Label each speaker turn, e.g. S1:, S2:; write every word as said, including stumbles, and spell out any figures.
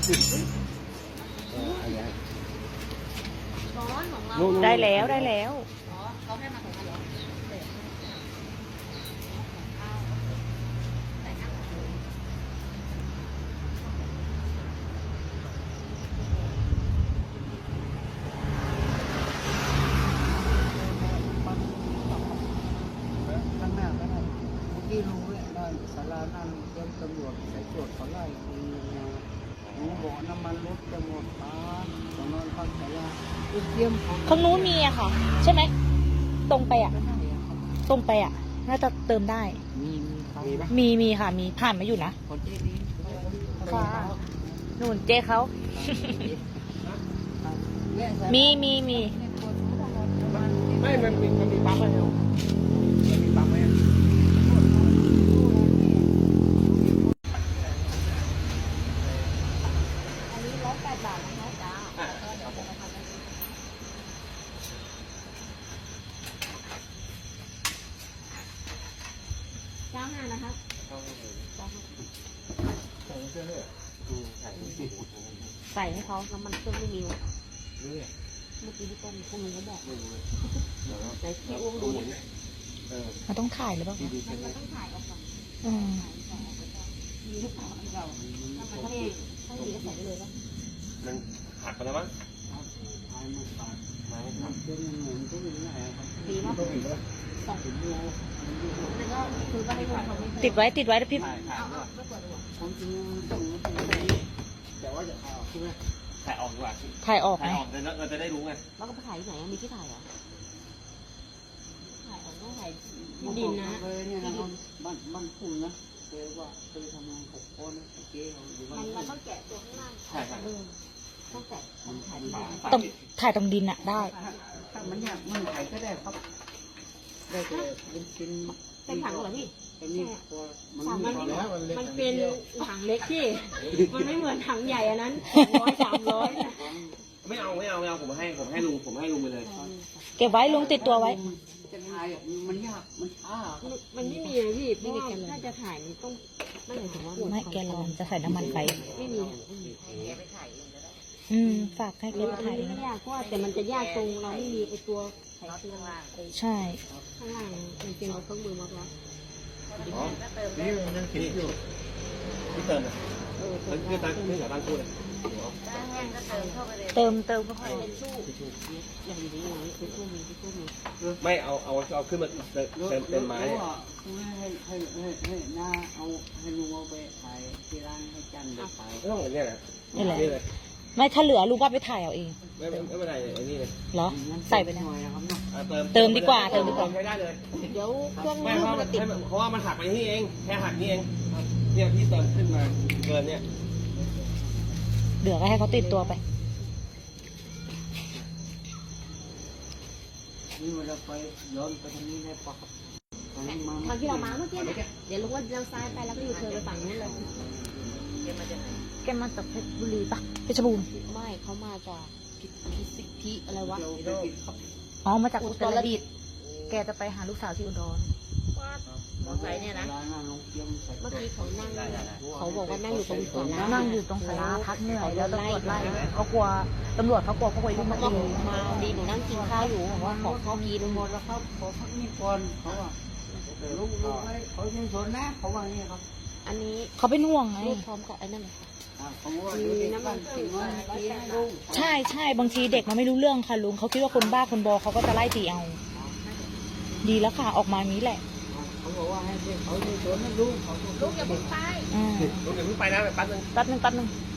S1: ร้อนของเรา
S2: ได้แล้วได้แล้ว
S1: อ๋อเขาให้มาของเราเหรอ
S3: ข้างหน้าก็ได้เมื่อกี้รู้เลยได้ศาลานั่นเตรียมตำรวจใส่ตรวจเขาไล่เองนะหนูบอกน้ำมันรถจะหมดป้าตอนนอนพักศาลาเตรียมของ
S2: ข้างนู้นมีอะค่ะ ใช่ไหมตรงไปอะตรงไปอะน่าจะเติมได้
S3: มีมีมีปะ
S2: มีมีค่ะมีผ่านมาอยู่นะ
S3: คนเจ๊ดี
S2: ค่ะนู่นเจ๊เขามีมีมี
S4: ไม่มันมีมันมีปั๊มไหมครับมันมีปั๊มไหม
S1: อันนี้ร้อยแปดบาทนะคะจ้าเก้าห้านะคะ ใส่ให้เขาน้ำมันเครื่องไม่มีวะเมื่อกี้ที่ต้มพวกนึงก็บอกไหนพี่อ้วงดูเนี่ย
S2: มันต้องถ่ายหรือเปล่าคะ
S1: มันต้องถ่ายออกก่อน
S2: อืม
S1: มีหรือเปล่าเราถ้ามันถ้าถ้าดีก็ใส่ได้เลยป่ะ
S4: มันหักไปแล้วมั้ง
S3: ถ่ายมาตัด
S4: ไม่หัก
S3: เป็นเหมือนก็อย่างนี้แหละครับ
S1: ดีมาก
S4: ต้องอีกแล้ว
S1: สองโลแล้วก็คือก็ให้คนเขาไม่
S2: ติดไว้ติดไว้แล้วพี่
S4: ถ่ายถ่าย
S1: เอา
S4: ด้วย
S1: ไม่เปิดดีกว่า
S3: ความจริงมันต้องมันเป็นแต่ว่าจะเอาใช่ไหม
S4: ถ่ายออกดีกว่า
S2: ถ่ายออก
S4: ถ่า
S2: ไห
S4: ย
S2: ม
S4: ออกเราเราจะได้รู้ไง
S1: แล้วก็ไปถ่ายที่ไหนมีที่ถ่ายเหรอถ่ายออกต้องถ่ายดินนะ
S3: เลยเนี่ยนะบ้านบ้านพุ่งนะเคยว่าเคยทำงานหกคนนะเจ๊เขาอยู่บ้า
S1: มัน
S3: น
S1: มันต้องแกะตัวข้างล่าง
S4: ใช่ใช่
S1: เออต้องแกะต้องถ่ายที่ไหน
S2: ต้องถ่ายตรงดินอะได้
S3: ถ้ามันอยากมันถ่ายก็ได้ครับได้แต่เป็นเป็น
S1: เป็นถังเหรอพี่
S3: เป็นนี่ตัวมัน
S1: มัน
S3: มีแล้วมันเล็ก
S1: มันเป็นถังเล็กที่ มันไม่เหมือนถังใหญ่อันนั้นร้อยสามร้อย
S4: ไม่เอาไม่เอาไม่เอาผมให้ผมให้ลุงผมให้ลุงไปเลย
S2: เก็บไว้ลุงติดตัวไว้
S3: จะถ่ายมันยากมันช้า
S1: มันไม่มีเลยพี่เพราะว่าถ้าจะถ่ายมันต้องไม่หมายถึงว่า
S2: ไม่แกลอนจะใส่น้ำมันไป
S1: ไม่มี
S2: อืมฝากให้แกไปถ่ายเอง
S1: ไม่ยากเพราะว่าแต่มันจะยากตรงเราไม่มีไอตัวไขเครื่องล่าง
S2: ใช่
S1: ข้างล่างมันเป็นเครื่องมือมาแล้ว
S4: นี่มันยังคิดอยู่พี่เติมนะ
S1: เออ
S4: แล้วพี่ตั้งพี่กับตั้งคู่เลย
S2: เติมเติมก็ค่อย
S1: เป็นสู้อย่างนี้อย่างนี้เป็นสู้มีเป็นสู้มี
S4: ไม่เอาเอาเอาขึ้นมาเต็มเต็มไม้
S3: ให้ให้ให้ให้ให้หน้าเอาให้ลุงเอาไปถ่ายที่ร้านให้จันไปถ่าย
S4: ไม่ต้องอย่างนี้แหละ
S2: นี่แหละ
S4: นี่เลย
S2: ไม่ถ้าเหลือลุงก็ไปถ่ายเอาเอง
S4: ไม่ไม่ไม่เป็นไรไอ้นี่เลย
S2: เหรอ ใส่ไปนะ
S3: หน่อยนะครับเนาะ
S4: เติม
S2: เติมดีกว่าเติมดีกว่า
S4: ใช้ได้เลย
S1: เดี๋ยวเครื่อง
S4: ไม่
S1: มื
S4: เพ
S1: อ
S4: ราะ
S1: มันจะติด
S4: เพราะว่ามันหักไปนี่เองแค่หักนี่เองเนี่ยพี่เติมขึ้นมาเกินเนี่ย
S2: เดี๋ยวก็ให้เขาติดตัวไป
S3: นี่เวลาไปย้อนไปทางนี้ได้ปะครับทางนี้มา
S1: ทางที่เรามาเมื่อกี้เนี่ยเดี๋ยวลุงว่าเราซ้ายไปแล้วก็อยู่เธอไปฝั่งนู้นเลย
S2: แกมาจากเพชรบุรีปะเพชรบูรณ์
S1: ไม่เขามาจากพิพิสิทธิอะไรวะ
S3: เราไปกินครับ
S2: อ๋อมาจาก
S1: อุ
S2: อุ
S1: ต
S2: ต
S1: ร
S2: ร
S1: ดิ
S2: ดิ
S1: ต
S2: ต
S1: ถ์
S2: ถ์แกจะไปหาลูกสาวที่อุดร
S1: มอไซค์เนี่ยนะ
S3: ร้านหน้าโรงเตรียมใส่
S1: เมื่อกี้เขานั่งเขาบอกว่านั่งอยู่ตรงศาลา
S2: นั่งอยู่ตรงศาลาพักเหนื่อยแล้วตำรวจไล่เขากลัวตำรวจเขากลัวพวกวัยรุ่นมา
S1: มา
S2: ตี
S1: มาดีหนูนั่งกินข้าวอยู่บอกว่าขอข้าวกิน
S3: หมดแล้วครับขอพักนี่ก่อนเขาอ่ะลุงลุงเขายังสนนะเขาว่านี่ครับ
S1: อันนี้
S2: เขาเป็นห่วงไง
S1: รูปพร้อมกับไอ้นั่นเลยค่ะ
S3: เขาว่ามีน้ำมันถึงว่าทีนะลุง
S2: ใช่ใช่บางทีเด็กมันไม่รู้เรื่องค่ะลุงเขาคิดว่าคนบ้าคนบอเขาก็จะไล่ตีเอา ดีแล้วค่ะออกมานี้แหละ
S3: เขาบอกว่าให้เขายังสนนะลุงเขา
S1: ลูกอย่าเพิ่งไป
S2: อืม
S4: ลุงอย่าเพิ่งไปนะแป๊บนึง
S2: แป๊บนึงแป๊บนึง
S1: เ